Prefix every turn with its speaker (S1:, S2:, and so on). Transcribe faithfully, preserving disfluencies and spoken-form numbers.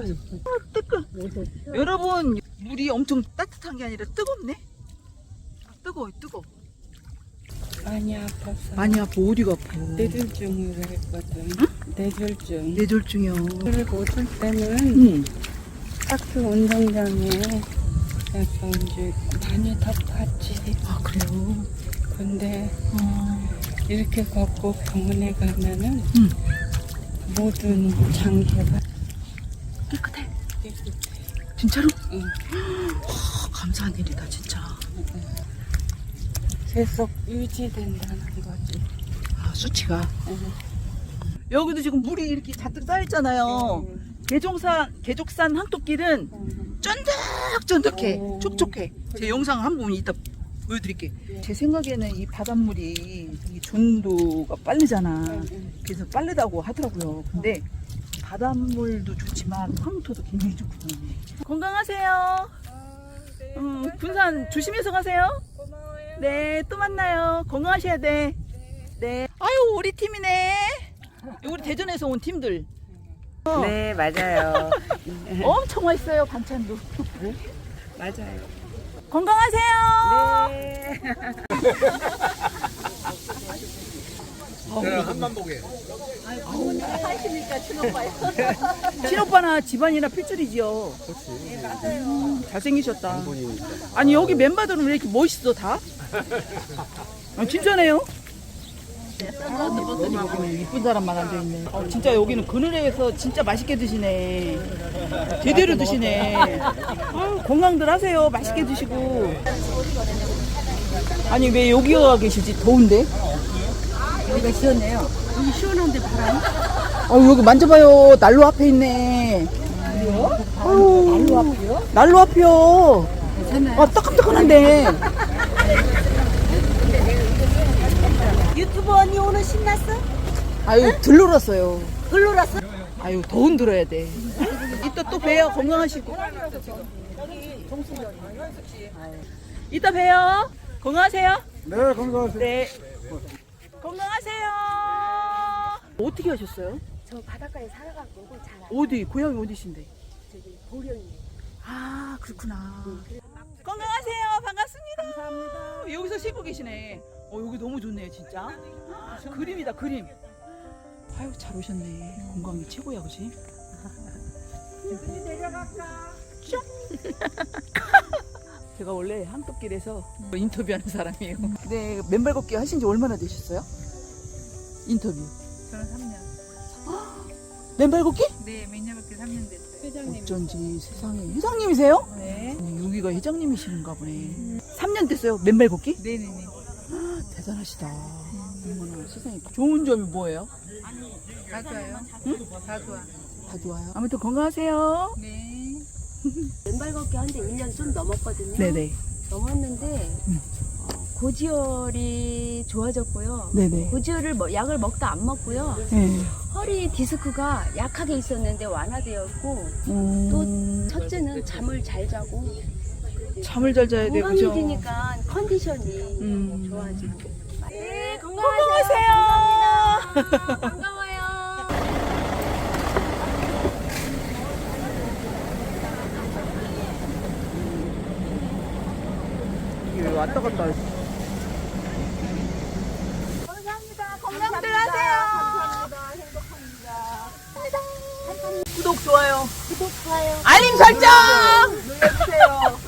S1: 뜨거. 여러분, 물이 엄청 따뜻한 게 아니라 뜨겁네. 뜨거워, 뜨거.
S2: 많이 아파서.
S1: 많이 아파. 어디가 아파?
S2: 뇌졸중을 했거든.
S1: 응?
S2: 뇌졸중.
S1: 뇌졸중이요.
S2: 그를 못올 때는
S1: 응.
S2: 학교 운동장에 약간 이제 많이 덮었지.
S1: 아, 그래요?
S2: 근데
S1: 어.
S2: 이렇게 걷고 병원에 가면은
S1: 응.
S2: 모든 장애가
S1: 깨끗해.
S2: 깨끗해.
S1: 진짜로?
S2: 응.
S1: 와, 감사한 일이다, 진짜.
S2: 계속 유지된다는 거지.
S1: 아, 수치가.
S2: 응.
S1: 여기도 지금 물이 이렇게 잔뜩 쌓여있잖아요.
S2: 응.
S1: 계종산, 계족산 항토길은
S2: 응.
S1: 쫀득쫀득해.
S2: 오.
S1: 촉촉해. 제 영상 한 번 이따 보여드릴게요.
S2: 네.
S1: 제 생각에는 이 바닷물이 이 전도가 빠르잖아.
S2: 응.
S1: 그래서 빠르다고 하더라고요. 근데 바닷물도 좋지만 황토도 굉장히 좋거든요. 건강하세요.
S2: 네.
S1: 음, 군산 조심해서 가세요.
S2: 고마워요.
S1: 네, 또 만나요. 건강하셔야 돼. 네. 아유, 우리 팀이네. 우리 대전에서 온 팀들.
S2: 네, 맞아요.
S1: 엄청 맛있어요, 반찬도.
S2: 맞아요.
S1: 건강하세요.
S2: 네.
S3: 자, 한만 보게.
S1: 친오빠나 집안이나 필줄이지요.
S3: 그렇지.
S1: 음, 잘생기셨다.
S3: 본인이니까.
S1: 아니, 여기 멤버들은 왜 이렇게 멋있어, 다? 아, 진짜네요. 이쁜 사람만 앉아있네. 어, 진짜 여기는 그늘에서 진짜 맛있게 드시네. 제대로 드시네. 아유, 건강들 하세요. 맛있게 드시고. 아니, 왜 여기 와 계시지? 더운데?
S4: 여기가 시원해요. 여기 시원한데 바람?
S1: 어, 여기 만져봐요. 난로 앞에 있네.
S4: 그래요?
S1: 아유,
S4: 난로 앞이요?
S1: 난로 앞이요.
S4: 괜찮아요.
S1: 아, 따끈따끈한데.
S4: 유튜브 언니 오늘 신났어?
S1: 아유, 들놀았어요.
S4: 글로라서?
S1: 아유, 더 흔들어야 돼. 이따 또 봬요. 건강하시고. 이따 봬요. 건강하세요.
S3: 네, 건강하세요.
S1: 네. 건강하세요. 어떻게 하셨어요?
S4: 저 바닷가에 살아갖고 오늘 잘 알아요.
S1: 어디? 고향이 어디신데?
S4: 저기 보령이에요.
S1: 아, 그렇구나. 건강하세요. 반갑습니다. 감사합니다. 여기서 쉬고 계시네. 어, 여기 너무 좋네요, 진짜. 그림이다, 그림. 아유, 잘 오셨네. 건강이 최고야, 그지? 제가 원래 항토길에서 인터뷰하는 사람이에요. 네, 맨발 걷기 하신 지 얼마나 되셨어요? 인터뷰.
S5: 저는 삼 년.
S1: 맨발 걷기?
S5: 네, 매년밖에 삼 년 됐어요.
S2: 회장님.
S1: 어쩐지 세상에. 회장님이세요?
S5: 네.
S1: 아니, 여기가 회장님이신가 보네. 삼 년 됐어요, 맨발 걷기?
S5: 네네네.
S1: 대단하시다. 어머나, 세상에. 좋은 점이 뭐예요?
S5: 다 좋아요.
S1: 응?
S5: 다 좋아.
S1: 다 좋아요. 아무튼 건강하세요.
S5: 네.
S4: 맨발 걷기 한 지 일 년 좀 넘었거든요.
S1: 네네.
S4: 넘었는데
S1: 음.
S4: 어, 고지혈이 좋아졌고요.
S1: 네네.
S4: 고지혈을 뭐, 약을 먹다 안 먹고요.
S1: 네.
S4: 허리 디스크가 약하게 있었는데 완화되었고
S1: 음,
S4: 또 첫째는 잠을 잘 자고
S1: 잠을 잘 자야 돼, 그죠?
S4: 건강해지니까 컨디션이
S1: 음.
S4: 좋아지고. 네,
S1: 건강하세요.
S4: 감사합니다. 반가워요.
S1: 이게 왔다 갔다.
S4: 감사합니다.
S1: 건강들 하세요. 행복합니다. 구독, 좋아요.
S4: 구독, 좋아요.
S1: 알림 설정 눌러주세요.